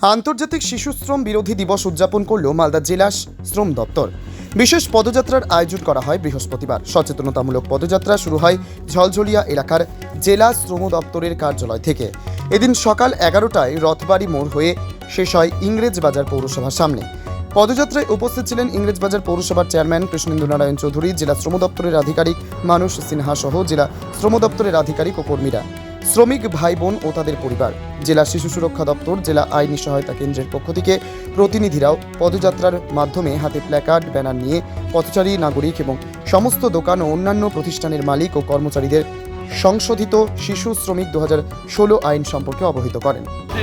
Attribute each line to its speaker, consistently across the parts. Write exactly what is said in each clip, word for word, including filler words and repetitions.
Speaker 1: আন্তর্জাতিক শিশু শ্রম বিরোধী দিবস উদযাপন করল মালদা জেলা শ্রম দপ্তর। বিশেষ পদযাত্রার আয়োজন করা হয় বৃহস্পতিবার। সচেতনতামূলক পদযাত্রা শুরু হয় ঝলঝলিয়া এলাকার জেলা শ্রম দপ্তরের কার্যালয় থেকে। এদিন সকাল এগারোটায় রথবাড়ি মোড় হয়ে শেষ হয় ইংরেজবাজার পৌরসভার সামনে। পদযাত্রায় উপস্থিত ছিলেন ইংরেজবাজার পৌরসভার চেয়ারম্যান কৃষ্ণেন্দু নারায়ণ চৌধুরী, জেলা শ্রম দপ্তরের আধিকারিক মানুষ সিনহা সহ জেলা শ্রম দপ্তরের আধিকারিক ও কর্মীরা, শ্রমিক ভাই বোন ও তাদের পরিবার। জেলা শিশু সুরক্ষা দপ্তর, জেলা আইনি সহায়তা কেন্দ্রের পক্ষ থেকে প্রতিনিধিরাও পদযাত্রার মাধ্যমে হাতে প্ল্যাকার্ড, ব্যানার নিয়ে পথচারী, নাগরিক এবং সমস্ত দোকান ও অন্যান্য প্রতিষ্ঠানের মালিক ও কর্মচারীদের সংশোধিত শিশু শ্রমিক দু হাজার ষোলো আইন সম্পর্কে অবহিত করেন।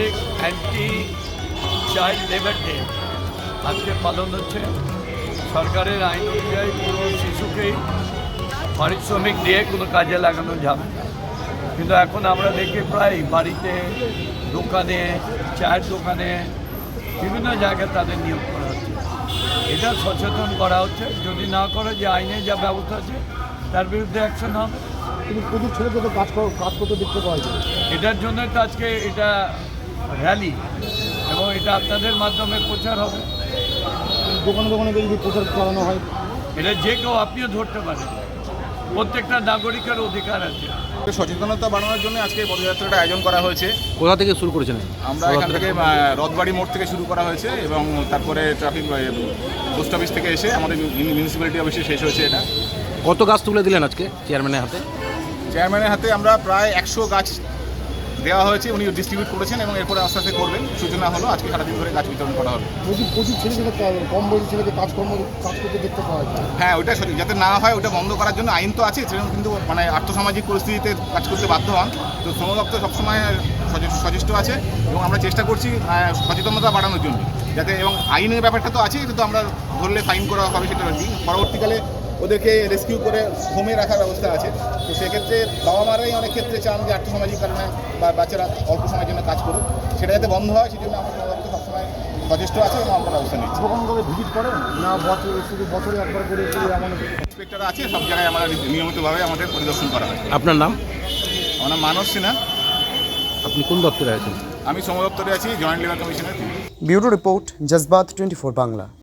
Speaker 2: আজকে পালন হচ্ছে। সরকারের আইন অনুযায়ী কোনো শিশুকেই পারিশ্রমিক দিয়ে কোনো কাজে লাগানো যাবে না, কিন্তু এখন আমরা দেখি প্রায় বাড়িতে, দোকানে, চায়ের দোকানে, বিভিন্ন জায়গায় তাদের নিয়োগ করা হচ্ছে। এটা সচেতন করা হচ্ছে। যদি না করে, যে আইনে যা ব্যবস্থা আছে তার বিরুদ্ধে অ্যাকশন হবে।
Speaker 3: কিন্তু প্রচুর ছেলেকে তো কাজ কাজ করতে দেখতে পাওয়া যায়।
Speaker 2: এটার জন্য তো আজকে এটা র্যালি এবং এটা আপনাদের মাধ্যমে প্রচার হবে।
Speaker 3: দোকানে দোকানে যদি প্রচার চালানো হয়,
Speaker 2: এটা যে কেউ আপনিও ধরতে পারেন। প্রত্যেকটা নাগরিকের অধিকার আছে।
Speaker 4: সচেতনতা বাড়ানোর জন্য আজকে পদযাত্রাটা আয়োজন করা হয়েছে।
Speaker 5: কোথা থেকে শুরু করেছেন?
Speaker 4: আমরা এখান থেকে রথবাড়ি মোড় থেকে শুরু করা হয়েছে এবং তারপরে ট্রাফিক পোস্ট অফিস থেকে এসে আমাদের মিউনিসিপ্যালিটি অফিসে শেষ হয়েছে। এটা
Speaker 5: কত গাছ তুলে দিলেন আজকে চেয়ারম্যানের হাতে?
Speaker 4: চেয়ারম্যানের হাতে আমরা প্রায় একশো গাছ দেওয়া হয়েছে, উনি ডিস্ট্রিবিউট করেছেন এবং এরপরে আস্তে আস্তে করবেন। সূচনা হলো, আজকে সারাদিন ধরে গাছ বিতরণ করা হবে।
Speaker 3: প্রচুর প্রচুর ছেলেকে কম বয়সী ছেলেকে কাজকর্ম কাজ করতে দেখতে পাওয়া যায়।
Speaker 4: হ্যাঁ, ওইটা সঠিক। যাতে না হয় ওটা বন্ধ করার জন্য আইন তো আছে, সেরকম কিন্তু মানে আর্থসামাজিক পরিস্থিতিতে কাজ করতে বাধ্য হন। তো শ্রম দপ্তর সবসময় সচেষ্ট আছে এবং আমরা চেষ্টা করছি সচেতনতা বাড়ানোর জন্য, যাতে এবং আইনের ব্যাপারটা তো আছে, কিন্তু আমরা ধরলে ফাইন করা হবে সেটা আর কি। পরবর্তীকালে ওদেরকে রেস্কিউ করে হোমে রাখার ব্যবস্থা আছে। তো সেক্ষেত্রে বাবা মারাই অনেক ক্ষেত্রে চান যে আর্থসামাজিক কারণে বা বাচ্চারা অল্প সময়ের জন্য কাজ করুক, সেটা যাতে বন্ধ হয় সেই জন্য আমরা শ্রম দপ্তর সবসময় সচেষ্ট আছে এবং আমরা ব্যবস্থা নিচ্ছি।
Speaker 3: দোকানগুলোকে ভিজিট করেন না বছর শুধু বছরে একবার করে এমন
Speaker 4: ইন্সপেক্টর আছে, সব জায়গায় আমরা নিয়মিতভাবে আমাদের পরিদর্শন করা হয়।
Speaker 5: আপনার নাম?
Speaker 4: আমার নাম মানস সিনহা।
Speaker 5: আপনি কোন দপ্তরে আছেন?
Speaker 4: আমি শ্রম দপ্তরে আছি, জয়েন্ট লেবার কমিশনের।
Speaker 1: ব্যুরো রিপোর্ট, জজবাত টোয়েন্টি ফোর বাংলা।